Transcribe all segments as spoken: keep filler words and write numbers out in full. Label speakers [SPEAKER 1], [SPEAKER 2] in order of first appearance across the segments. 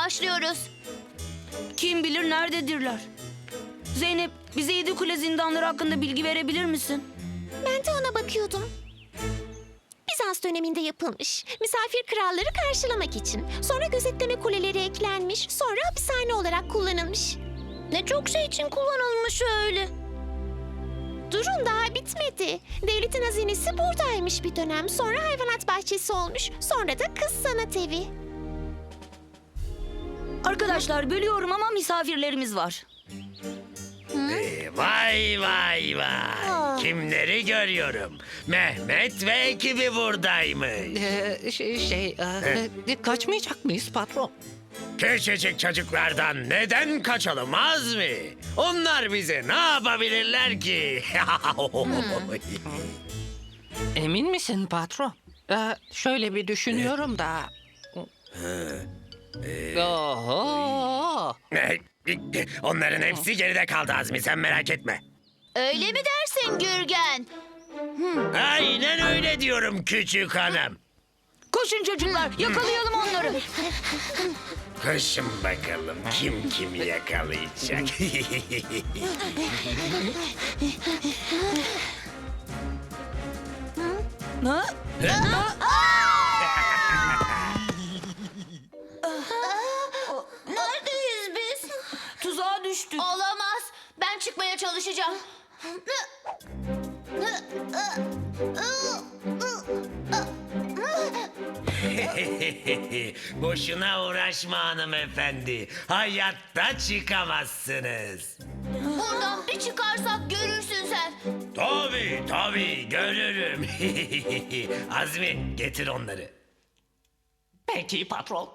[SPEAKER 1] başlıyoruz.
[SPEAKER 2] Kim bilir nerededirler? Zeynep, bize Yedi Kule zindanları hakkında bilgi verebilir misin?
[SPEAKER 3] Ben de ona bakıyordum. Bizans döneminde yapılmış. Misafir kralları karşılamak için. Sonra gözetleme kuleleri eklenmiş. Sonra hapishane olarak kullanılmış.
[SPEAKER 1] Ne çok şey için kullanılmış öyle.
[SPEAKER 3] Durun, daha bitmedi. Devletin hazinesi buradaymış bir dönem. Sonra hayvanat bahçesi olmuş. Sonra da kız sanat evi.
[SPEAKER 2] Arkadaşlar, bölüyorum ama misafirlerimiz var.
[SPEAKER 4] Ee, Vay vay vay. Kimleri görüyorum? Mehmet ve ekibi buradaymış.
[SPEAKER 5] Ee, şey, şey e, e, kaçmayacak mıyız patron?
[SPEAKER 4] Küçücük çocuklardan neden kaçalım Azmi? Onlar bize ne yapabilirler ki?
[SPEAKER 5] Emin misin patron? Ee, şöyle bir düşünüyorum da. Oho!
[SPEAKER 4] Onların hepsi geride kaldı Azmi, sen merak etme.
[SPEAKER 1] Öyle mi dersin Gürgen?
[SPEAKER 4] Aynen öyle diyorum küçük hanım.
[SPEAKER 2] Koşun çocuklar, yakalayalım onları.
[SPEAKER 4] Koşun bakalım kim kimi yakalayacak.
[SPEAKER 2] Ha?
[SPEAKER 1] Neredeyiz biz?
[SPEAKER 2] Tuzağa düştük.
[SPEAKER 1] Olamaz. Ben çıkmaya çalışacağım.
[SPEAKER 4] Boşuna uğraşma hanımefendi. Hayatta çıkamazsınız.
[SPEAKER 1] Buradan bir çıkarsak görürsün sen.
[SPEAKER 4] Tabii tabii görürüm. Azmi getir onları.
[SPEAKER 5] Peki patron.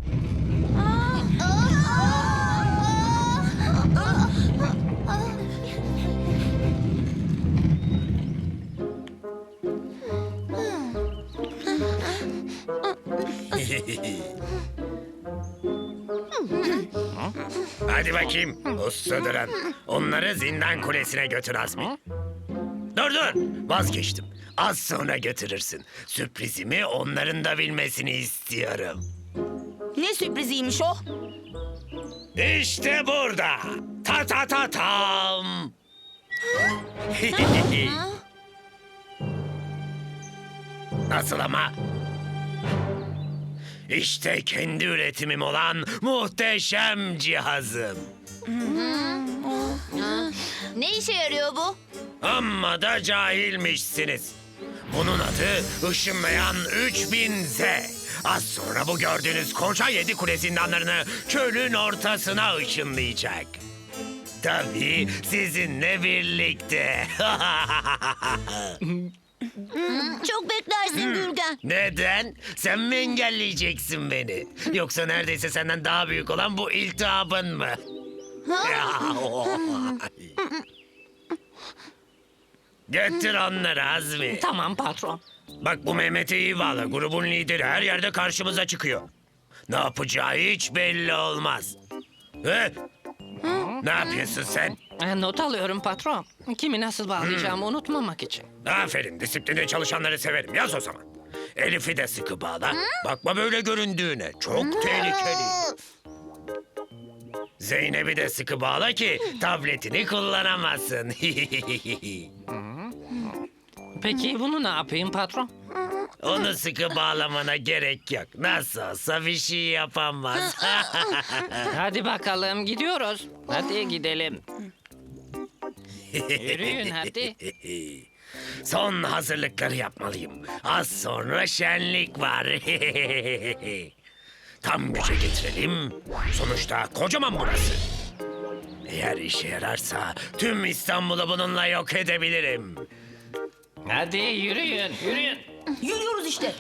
[SPEAKER 4] Hadi bakayım uslu duran. Onları zindan kulesine götür Azmi. Dur dur vazgeçtim. Az sonra götürürsün. Sürprizimi onların da bilmesini istiyorum.
[SPEAKER 2] Ne sürpriziymiş o?
[SPEAKER 4] İşte burada. Ta ta ta tam. Nasıl ama? İşte kendi üretimim olan muhteşem cihazım.
[SPEAKER 1] Ne işe yarıyor bu?
[SPEAKER 4] Amma da cahilmişsiniz. Bunun adı ışınlayan üç bin Z. Az sonra bu gördüğünüz koca yedi kule zindanlarını çölün ortasına ışınlayacak. Tabii sizinle birlikte.
[SPEAKER 1] Çok beklersin Gürgen.
[SPEAKER 4] Neden? Sen mi engelleyeceksin beni? Yoksa neredeyse senden daha büyük olan bu iltihabın mı? Götür onları Azmi.
[SPEAKER 5] Tamam patron.
[SPEAKER 4] Bak bu Mehmet'i iyi bağla. Grubun lideri her yerde karşımıza çıkıyor. Ne yapacağı hiç belli olmaz. He? Ne yapıyorsun sen?
[SPEAKER 5] E, not alıyorum patron. Kimi nasıl bağlayacağımı unutmamak için.
[SPEAKER 4] Aferin, disiplinli çalışanları severim. Yaz o zaman. Elif'i de sıkı bağla. Bakma böyle göründüğüne. Çok tehlikeli. Zeynep'i de sıkı bağla ki tabletini kullanamasın.
[SPEAKER 5] Peki bunu ne yapayım patron?
[SPEAKER 4] Onu sıkı bağlamana gerek yok. Nasıl olsa bir şey yapamaz.
[SPEAKER 5] Hadi bakalım gidiyoruz. Hadi gidelim. Yürüyün hadi.
[SPEAKER 4] Son hazırlıkları yapmalıyım. Az sonra şenlik var. Tam güce getirelim. Sonuçta kocaman burası. Eğer işe yararsa tüm İstanbul'u bununla yok edebilirim.
[SPEAKER 5] Hadi yürüyün, yürüyün.
[SPEAKER 2] Yürüyoruz işte.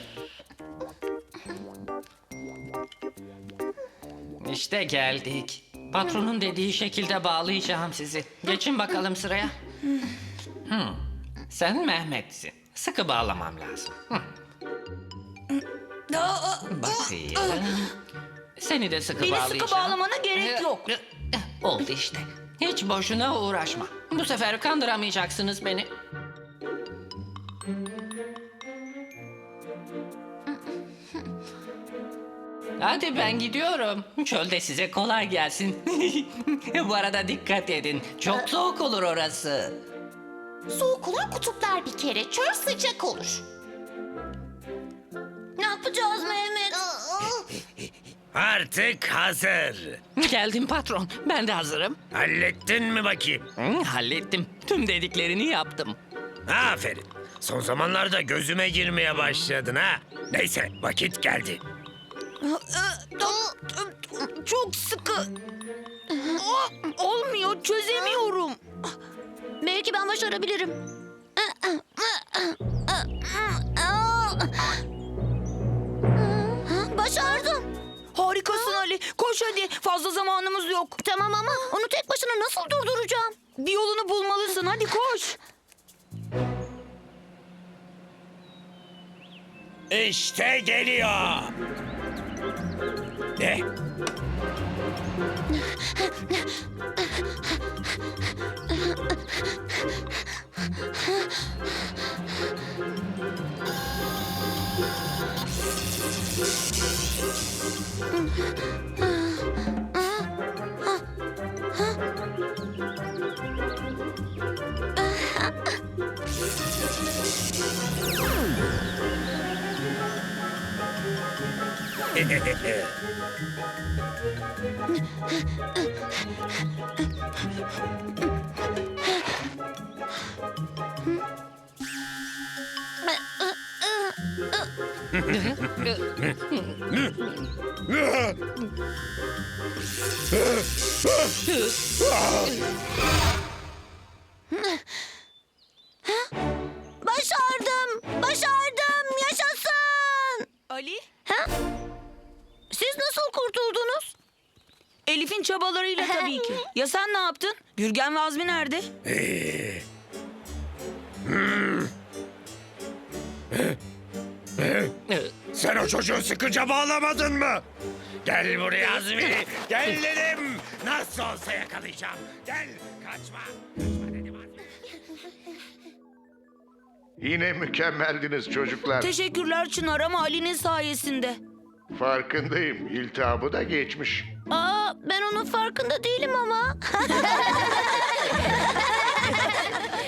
[SPEAKER 5] İşte geldik. Patronun dediği şekilde bağlayacağım sizi. Geçin bakalım sıraya. Hmm. Sen Mehmet'sin. Sıkı bağlamam lazım. Hmm. Bakayım. Seni de sıkı
[SPEAKER 2] Beni
[SPEAKER 5] bağlayacağım.
[SPEAKER 2] sıkı bağlamana gerek yok.
[SPEAKER 5] Oldu işte. Hiç boşuna uğraşma. Bu sefer kandıramayacaksınız beni. Hadi ben gidiyorum. Çölde size kolay gelsin. Bu arada dikkat edin. Çok soğuk olur orası.
[SPEAKER 3] Soğuk olan kutuplar bir kere. Çöl sıcak olur.
[SPEAKER 1] Ne yapacağız Mehmet?
[SPEAKER 4] Artık hazır.
[SPEAKER 5] Geldim patron. Ben de hazırım.
[SPEAKER 4] Hallettin mi bakayım?
[SPEAKER 5] Hı, hallettim. Tüm dediklerini yaptım.
[SPEAKER 4] Aferin. Son zamanlarda gözüme girmeye başladın ha. Neyse vakit geldi.
[SPEAKER 2] Çok sıkı. Aa, olmuyor, çözemiyorum.
[SPEAKER 1] Belki ben başarabilirim. Başardım.
[SPEAKER 2] Harikasın Ali. Koş hadi. Fazla zamanımız yok.
[SPEAKER 1] Tamam ama onu tek başına nasıl durduracağım?
[SPEAKER 2] Bir yolunu bulmalısın. Hadi koş.
[SPEAKER 4] İşte geliyor. Ne?
[SPEAKER 1] Başardım. Başardım. Yaşasın.
[SPEAKER 2] Ali,
[SPEAKER 1] Ha? Siz nasıl kurtuldunuz?
[SPEAKER 2] Elif'in çabalarıyla tabii ki. Ya sen ne yaptın? Gürgen ve Azmi nerede?
[SPEAKER 4] Sen o çocuğu sıkıca bağlamadın mı? Gel buraya Azmi. Gel dedim. Nasıl olsa yakalayacağım. Gel kaçma. Kaçma dedim Azmi.
[SPEAKER 6] Yine mükemmeldiniz çocuklar.
[SPEAKER 2] Teşekkürler Çınar ama Ali'nin sayesinde.
[SPEAKER 6] Farkındayım. İltihabı da geçmiş.
[SPEAKER 1] Aa, ben onun farkında değilim ama.